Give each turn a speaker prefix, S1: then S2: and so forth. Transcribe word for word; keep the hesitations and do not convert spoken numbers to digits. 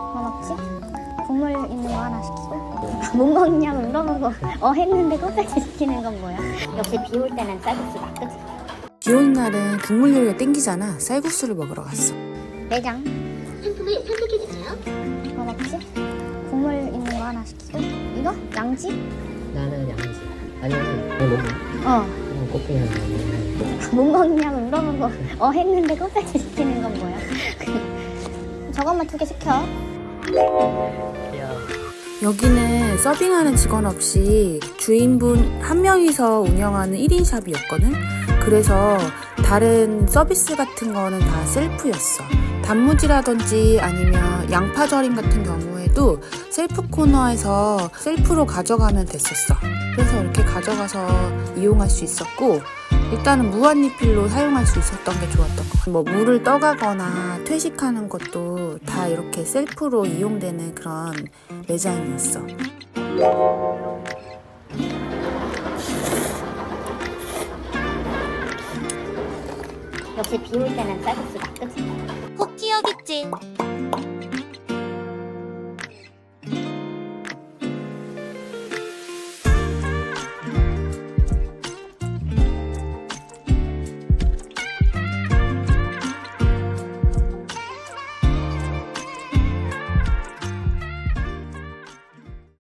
S1: 뭐 먹지? 국물 있는 거 하나 시키고 뭐 먹냐고 물어보고 어 했는데 껍데기 시키는 건 뭐야? 역시 비 올 때는 쌀국수다, 그치?
S2: 비 오는 날은 국물 요리가 땡기잖아. 쌀국수를 먹으러 갔어.
S1: 내장
S3: 상품을 선택해주세요.
S1: 뭐 먹지? 국물 있는 거 하나 시키고 이거? 양지?
S4: 나는 양지 아니면 뭐 먹어?
S1: 어
S4: 그냥 꽃게랑 먹는
S1: 뭐 먹냐고 물어보고 어 했는데 껍데기 시키는 건 뭐야? 저것만 두 개 시켜.
S4: 귀여워.
S2: 여기는 서빙하는 직원 없이 주인분 한 명이서 운영하는 일 인 샵이었거든. 그래서 다른 서비스 같은 거는 다 셀프였어. 단무지라든지 아니면 양파절임 같은 경우에도 셀프 코너에서 셀프로 가져가면 됐었어. 그래서 이렇게 가져가서 이용할 수 있었고, 일단은 무한리필로 사용할 수 있었던 게 좋았던 것 같아. 뭐 물을 떠가거나 퇴식하는 것도 다 이렇게 셀프로 이용되는 그런 매장이었어.
S1: 역시 비 올 때는 쌀국수다, 그치?
S3: 꼭 기억있지.